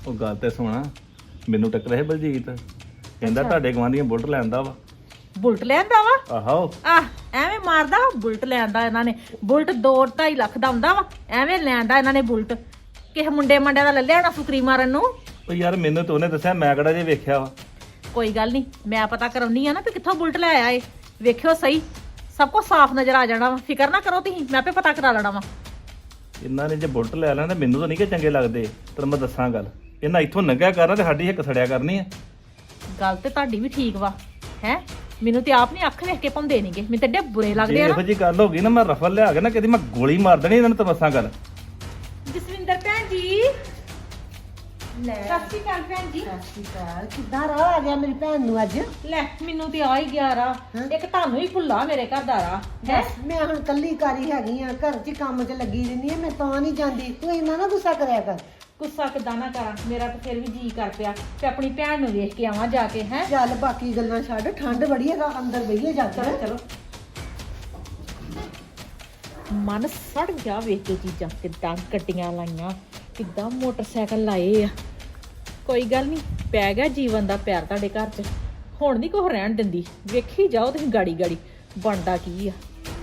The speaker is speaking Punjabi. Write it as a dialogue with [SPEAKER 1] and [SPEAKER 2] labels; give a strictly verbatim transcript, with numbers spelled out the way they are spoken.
[SPEAKER 1] ਉਹ ਗੱਲ ਤੇ ਸੁਣਾ, ਮੈਨੂੰ ਟੱਕਰਿਆ ਸੀ ਬਲਜੀਤ, ਕਹਿੰਦਾ ਤੁਹਾਡੇ ਗਵਾਂਢੀਆਂ ਬੁਲਟ ਲੈਂਦਾ ਵਾ।
[SPEAKER 2] ਬੁਲਟ ਲੈਂਦਾ ਵਾ?
[SPEAKER 1] ਆਹੋ
[SPEAKER 2] ਆਹ ਐਵੇਂ ਮਾਰਦਾ ਵਾ, ਬੁਲਟ ਲੈਂਦਾ ਇਹਨਾਂ ਨੇ। ਬੁਲਟ ਦੋ ਢਾਈ ਲੱਖ ਦਾ ਹੁੰਦਾ ਵਾ, ਐਵੇਂ ਲੈਂਦਾ ਇਹਨਾਂ ਨੇ ਬੁਲਟ। ਕਿਸੇ ਮੁੰਡੇ ਮੰਡਿਆਂ ਦਾ ਲੈ ਲਿਆ ਹੋਣਾ ਫੁਕਰੀ ਮਾਰਨ ਨੂੰ।
[SPEAKER 1] ਉਹ ਯਾਰ ਮੈਨੂੰ ਤਾਂ ਉਹਨੇ ਦੱਸਿਆ, ਮੈਂ ਕਿਹੜਾ ਜੇ ਵੇਖਿਆ ਵਾ।
[SPEAKER 2] ਕੋਈ ਗੱਲ ਨਹੀਂ, ਮੈਂ ਪਤਾ ਕਰਾਉਣੀ ਆ ਨਾ ਵੀ ਕਿੱਥੋਂ ਬੁਲਟ ਲੈ ਆਇਆ ਏ। ਵੇਖਿਓ ਸਹੀ, ਸਭ ਕੁਝ ਸਾਫ਼ ਨਜ਼ਰ ਆ ਜਾਣਾ ਵਾ। ਫਿਕਰ ਨਾ ਕਰੋ ਤੁਸੀਂ, ਮੈਂ ਆਪੇ ਪਤਾ ਕਰਾ ਲੈਣਾ ਵਾ।
[SPEAKER 1] ਇਹਨਾਂ ਨੇ ਜੇ ਬੁਲਟ ਲੈ ਲੈਣਾ ਤਾਂ ਮੈਨੂੰ ਤਾਂ ਨਹੀਂ ਕਿ ਚੰਗੇ ਲੱਗਦੇ। ਤੈਨੂੰ ਮੈਂ ਦੱਸਾਂ ਗੱਲ, ਇਹਨਾਂ ਇੱਥੋਂ ਲੰਘਿਆ ਕਰਨਾ ਤੇ ਸਾਡੀ ਹਿੱਕ ਸੜਿਆ ਕਰਨੀ ਆ।
[SPEAKER 2] ਗੱਲ ਤੇ ਤੁਹਾਡੀ ਵੀ ਠੀਕ ਵਾ ਹੈ। ਮੈਨੂੰ ਤੇ ਆਪ ਨਹੀਂ ਅੱਖ ਵੇਖ ਕੇ ਪਾਉਂਦੇ ਨਹੀਂਗੇ, ਮੈਨੂੰ ਤੇ ਡੇ ਬੁਰੇ
[SPEAKER 1] ਜੇ
[SPEAKER 2] ਲੱਗਦੇ ਆ
[SPEAKER 1] ਇਹੋ
[SPEAKER 2] ਨਾ।
[SPEAKER 1] ਜੀ ਗੱਲ ਹੋ ਗਈ ਨਾ, ਮੈਂ ਰਫਲ ਲਿਆ ਕੇ ਨਾ ਕਿਤੇ ਮੈਂ ਗੋਲੀ ਮਾਰ ਦੇਣੀ ਇਹਨਾਂ ਨੂੰ। ਤਾਂ ਦੱਸਾਂ ਗੱਲ।
[SPEAKER 2] ਜਸਵਿੰਦਰ ਭੈਣ ਜੀ,
[SPEAKER 3] ਲੈ
[SPEAKER 2] ਸਤਿ ਸ਼੍ਰੀ ਅਕਾਲ ਭੈਣ ਜੀ।
[SPEAKER 3] ਸਤਿ ਸ਼੍ਰੀ ਅਕਾਲ। ਕਿੱਦਾਂ ਰਾਹ ਆ ਗਿਆ ਮੇਰੀ ਭੈਣ ਨੂੰ ਅੱਜ?
[SPEAKER 2] ਲੈ ਮੈਨੂੰ ਤੇ ਆ ਹੀ ਗਿਆ ਰਾ। ਇੱਕ ਤੁਹਾਨੂੰ ਹੀ ਭੁੱਲਾ ਮੇਰੇ ਘਰ ਦਾ ਰਾ ਹੈ।
[SPEAKER 3] ਮੈਂ ਹੁਣ ਕੱਲੀ ਕਾਰੀ ਹੈਗੀ ਆ, ਘਰ 'ਚ ਕੰਮ 'ਚ ਲੱਗੀ ਰਹਿੰਦੀ ਆ, ਮੈਂ ਤਾਂ ਨਹੀਂ ਜਾਂਦੀ। ਤੂੰ ਇੰਨਾ ਨਾ ਗੁੱਸਾ ਕਰਿਆ ਕਰ।
[SPEAKER 2] ਗੁੱਸਾ ਕਿੱਦਾਂ ਨਾ ਕਰਾਂ, ਮੇਰਾ ਤਾਂ ਫਿਰ ਵੀ ਜੀ ਕਰ ਪਿਆ ਤੇ ਆਪਣੀ ਭੈਣ ਨੂੰ ਵੇਖ ਕੇ ਆਵਾਂ ਜਾ ਕੇ ਹੈ।
[SPEAKER 3] ਚੱਲ ਬਾਕੀ ਗੱਲਾਂ ਛੱਡ, ਠੰਡ ਬੜੀ ਹੈ, ਅੰਦਰ ਬਈਏ ਜਾ ਕੇ।
[SPEAKER 2] ਚਲੋ ਚਲੋ। ਮਨ ਸੜ ਗਿਆ ਵੇਖ ਕੇ ਚੀਜ਼ਾਂ, ਕਿੱਦਾਂ ਗੱਡੀਆਂ ਲਾਈਆਂ, ਕਿੱਦਾਂ ਮੋਟਰਸਾਈਕਲ ਲਾਏ ਆ। ਕੋਈ ਗੱਲ ਨਹੀਂ, ਪੈ ਗਿਆ ਜੀਵਨ ਦਾ ਪਿਆਰ ਤੁਹਾਡੇ ਘਰ 'ਚ। ਹੁਣ ਨਹੀਂ ਕੋਈ ਰਹਿਣ ਦਿੰਦੀ, ਵੇਖੀ ਜਾਓ ਤੁਸੀਂ ਗਾੜੀ ਗਾੜੀ ਬਣਦਾ ਕੀ ਆ।